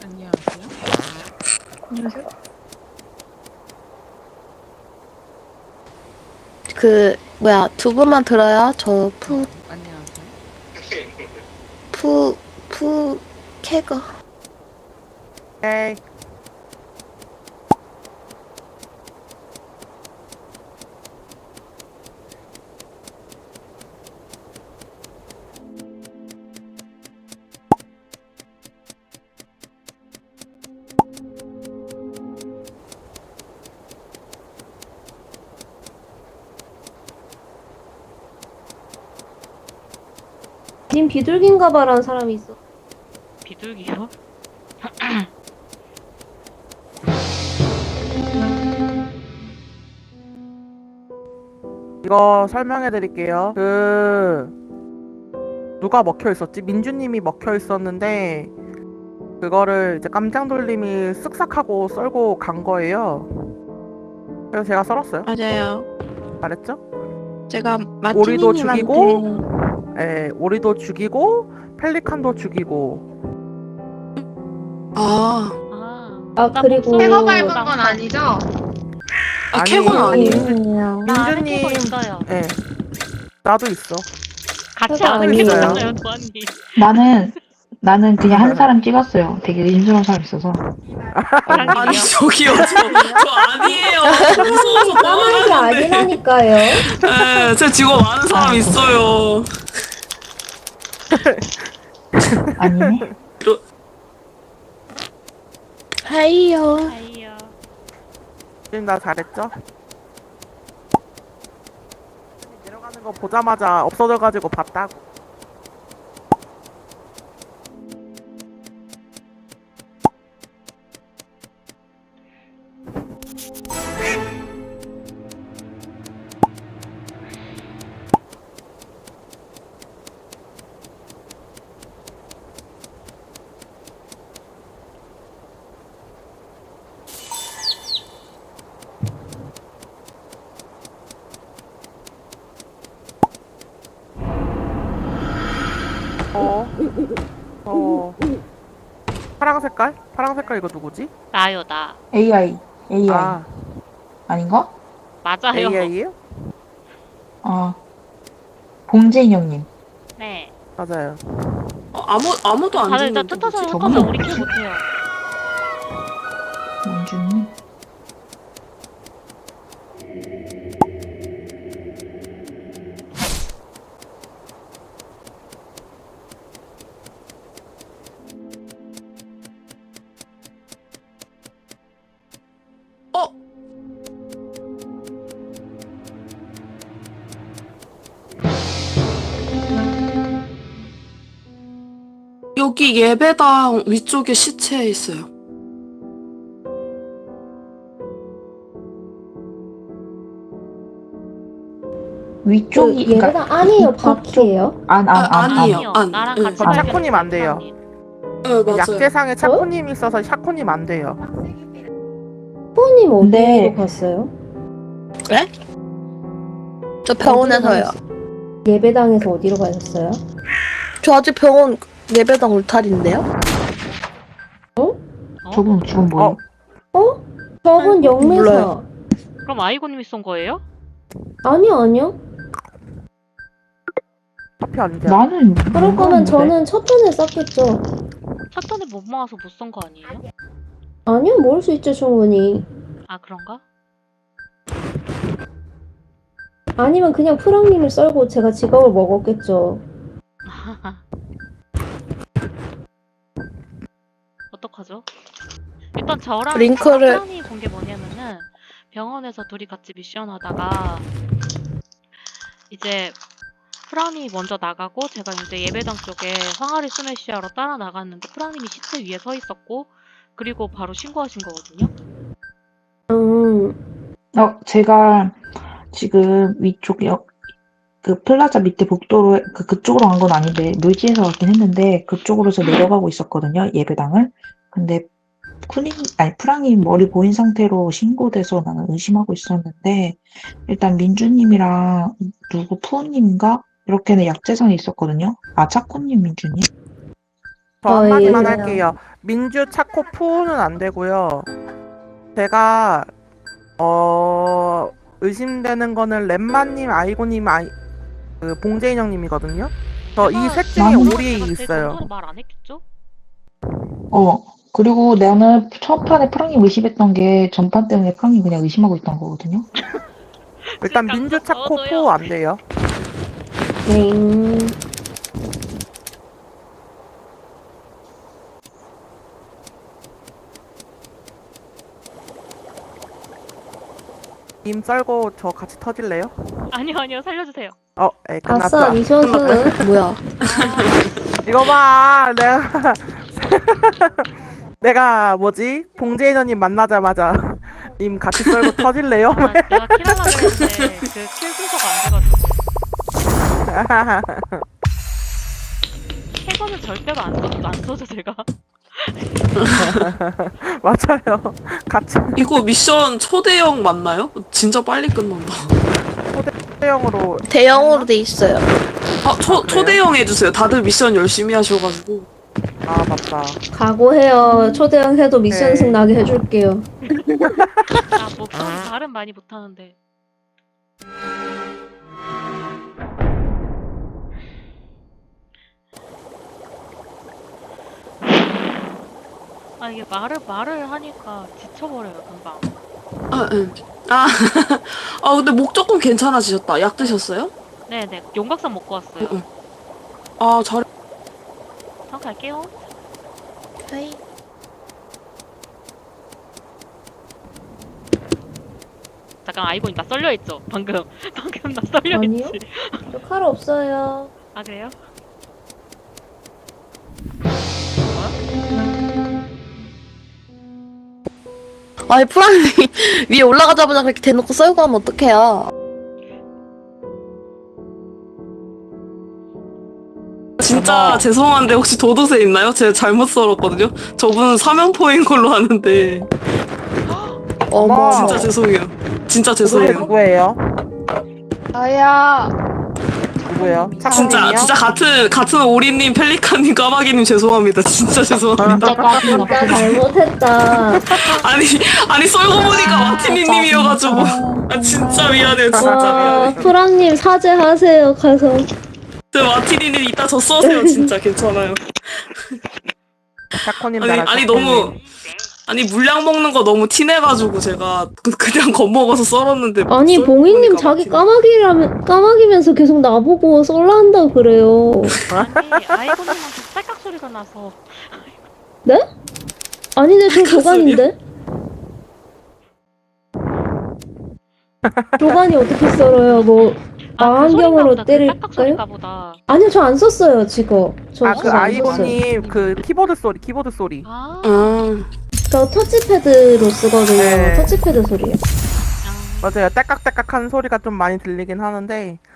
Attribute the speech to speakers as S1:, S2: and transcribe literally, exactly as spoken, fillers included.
S1: 안녕하세요.
S2: 안녕하세요. 그 뭐야 두 분만 들어요. 저 푸
S1: 안녕하세요.
S2: 푸 푸 캐거.
S3: 에이.
S4: 님 비둘기인가 봐라는 사람이 있어.
S1: 비둘기요?
S3: 이거 설명해 드릴게요. 그 누가 먹혀 있었지? 민주님이 먹혀 있었는데 그거를 이제 깜장돌림이 쓱싹하고 썰고 간 거예요. 그래서 제가 썰었어요.
S2: 맞아요.
S3: 잘했죠?
S2: 제가
S3: 오리도
S2: 마티니님한테
S3: 죽이고, 예, 오리도 죽이고, 펠리칸도 죽이고.
S2: 아,
S1: 아,
S4: 아,
S1: 나
S4: 그리고-
S1: 목소리
S5: 캐거
S1: 너무
S5: 밟은 건
S1: 깜깜.
S5: 아니죠?
S2: 아
S3: 아니에요.
S2: 캐건 아니에요.
S4: 아니에요.
S1: 나 아는
S3: 민주님,
S1: 캐거 있어요.
S3: 예, 나도 있어.
S1: 같이
S4: 캐거
S1: 아는 캐거
S3: 아니에요.
S1: 있어요, 도안님.
S6: 나는 나는 그냥 한 사람 찍었어요. 되게 인수한 사람 있어서.
S2: 아니 저기요, 저, 저 아니에요. 무서워서
S4: 까만 게 아니라니까요.
S2: 네, 제 직업 아는 사람 있어요.
S6: 아니네.
S2: 하이요.
S1: 아이요.
S3: 지금 나 잘했죠? 내려가는 거 보자마자 없어져가지고 봤다고. 어, 어, 파랑 색깔? 파랑 색깔 이거 누구지?
S1: 나요, 나.
S6: 에이아이 에이아이
S3: 아,
S6: 아닌가?
S1: 맞아요.
S3: 에이아이예요?
S6: 아 봉재인 형님.
S1: 네.
S3: 맞아요.
S2: 어, 아무 아무도 안
S1: 다들
S2: 죽는
S1: 일단 뜻하서
S2: 누구지?
S1: 섞어서 우리 킬 못해요.
S6: 민주님.
S2: 어? 여기 예배당 위쪽에 시체 있어요.
S4: 그
S6: 위쪽이 그러니까
S4: 얘가 아니에요,
S6: 북쪽
S4: 바퀴예요.
S6: 안 안
S2: 아,
S6: 안 안.
S2: 아니에요.
S1: 아니요.
S2: 안.
S1: 나랑
S2: 응.
S1: 같이
S3: 어,
S1: 발견했어요,
S3: 샤코님 안 돼요.
S1: 도안님.
S2: 네, 맞아요.
S3: 약재상에 차코님이 있어서 샤코님 안 돼요.
S4: 후님 어디로
S6: 네.
S4: 갔어요?
S2: 저
S4: 병원에서요. 예배당에서 어디로 가셨어요?
S2: 저 아직 병원 예배당 울타리인데요.
S1: 어?
S6: 저분 지금 뭐예요?
S3: 어?
S4: 저분 영매사.
S2: 몰라요.
S1: 그럼 아이고님이 쏜 거예요?
S4: 아니요, 아니요.
S3: 커피 아니지?
S6: 나는
S4: 그럴 거면 저는 첫 턴에 쌌겠죠.
S1: 첫 턴에 못 모아서 못 쏜 거 아니에요?
S4: 아니요, 모를 수 있죠, 충분히.
S1: 아, 그런가?
S4: 아니면 그냥 프랑님을 썰고 제가 직업을 먹었겠죠.
S1: 어떡하죠? 일단 저랑
S2: 링크를-
S1: 프랑이 본 게 뭐냐면은 병원에서 둘이 같이 미션 하다가 이제 프랑이 먼저 나가고 제가 이제 예배당 쪽에 항아리 스매시하러 따라 나갔는데 프랑님이 시체 위에 서 있었고 그리고 바로 신고하신 거거든요.
S4: 음,
S6: 어 제가 지금 위쪽 역 그 플라자 밑에 복도로 그 그쪽으로 간 건 아닌데 묘지에서 왔긴 했는데 그쪽으로 저 내려가고 있었거든요, 예배당을. 근데 쿠님 아니 프랑이 머리 보인 상태로 신고돼서 나는 의심하고 있었는데 일단 민주님이랑 누구 푸우님인가 이렇게는 약재산이 있었거든요. 아 차코님 민주님.
S3: 저
S4: 아,
S3: 한마디만
S4: 예.
S3: 할게요. 민주, 차코, 푸는 안 되고요. 제가 어 의심되는 거는 렘마님, 아이고님, 아이 그 봉재인 형님이거든요. 저 이 셋 중에
S6: 나는-
S3: 오리 있어요.
S1: 정도로 말 안 했겠죠?
S6: 어, 그리고 나는 첫 판에 프랑님 의심했던 게 전판 때문에 프랑님 그냥 의심하고 있던 거거든요.
S3: 일단
S1: 그러니까
S3: 민주, 차코,
S1: 저도요.
S3: 푸 안 돼요.
S4: 네.
S3: 님 썰고 저 같이 터질래요?
S1: 아니요 아니요 살려주세요.
S3: 어, 에 끝났어.
S4: 아싸, 미션수.
S2: 뭐야?
S3: 이거 봐, 내가 내가 뭐지? 봉재인 형님 만나자마자 님 같이 썰고 터질래요?
S1: 아, 내가 킬하려고 했는데 그 킬 순서가 안 돼가지고 캐거는 절대로 안 써도 안 써도 제가
S3: 맞아요. 같이
S5: 이거 미션 초대형 맞나요? 진짜 빨리 끝난다.
S3: 형으로
S2: 대형으로 돼 있어요.
S5: 아, 초,
S3: 아, 그래요?
S5: 초대형 해주세요. 다들 미션 열심히 하셔가지고.
S3: 아 맞다.
S4: 각오해요. 초대형 해도 미션승
S3: 네.
S4: 나게 해줄게요.
S1: 아뭐 말은 많이 못하는데 아 이게 말을 말을 하니까 지쳐버려요 금방.
S5: 아, 응. 아, 아, 근데 목 조금 괜찮아지셨다. 약 드셨어요?
S1: 네네 용각산 먹고 왔어요.
S5: 응, 응. 아, 잘.
S1: 전 갈게요.
S2: 하이.
S1: 잠깐 아이고 나 썰려 있죠 방금 방금 나 썰려
S4: 아니요?
S1: 있지.
S4: 저 칼 없어요.
S1: 아 그래요?
S2: 아니 프랑님 위에 올라가자마자 그렇게 대놓고 썰고 하면 어떡해요?
S5: 진짜 죄송한데 혹시 도도새 있나요? 제가 잘못 썰었거든요. 저분은 사면포인 걸로 아는데
S2: 어머.
S5: 진짜 죄송해요. 진짜
S3: 그게
S5: 죄송해요.
S3: 누구예요?
S2: 나야.
S3: 누구예요?
S5: 진짜
S3: 차코님이요?
S5: 진짜 같은 같은 오리님, 펠리칸님, 까마귀님 죄송합니다. 진짜 죄송합니다.
S4: 진짜 잘못했다.
S5: 아니 아니 썰고 보니까 마티니님이어가지고 아 진짜 미안해요. 진짜
S4: 와,
S5: 미안해요.
S4: 프랑님 사죄하세요. 가서.
S5: 저 마티니님 이따 저 써세요. 진짜 괜찮아요.
S3: 차코님
S5: 아니
S3: 나랑
S5: 아니
S3: 차코님.
S5: 너무 아니 물량 먹는 거 너무 티내가지고 제가 그- 그냥 겁먹어서 썰었는데
S4: 아니,
S5: 썰고
S4: 봉이님
S5: 보니까
S4: 자기
S5: 마티니-
S4: 까마귀라면, 까마귀면서 계속 나보고 썰라 한다고 그래요.
S1: 아니 아이고님한테 딸깍 소리가 나서
S4: 아니네, 저 조간인데? 조간이 어떻게 썰어요? 뭐,
S1: 아, 그 소리인가
S4: 망원경으로
S1: 보다. 그
S4: 때릴까요?
S1: 딱딱 소리인가 보다.
S4: 아니요, 저 안 썼어요, 지금. 저
S3: 아,
S4: 지금
S3: 그
S4: 안 썼어요.
S3: 아이고님 그 키보드 소리, 키보드 소리.
S1: 아,
S5: 아
S4: 저 터치패드로 쓰거든요.
S3: 네.
S4: 터치패드 소리요.
S1: 아.
S3: 맞아요. 딸깍딸깍한 소리가 좀 많이 들리긴 하는데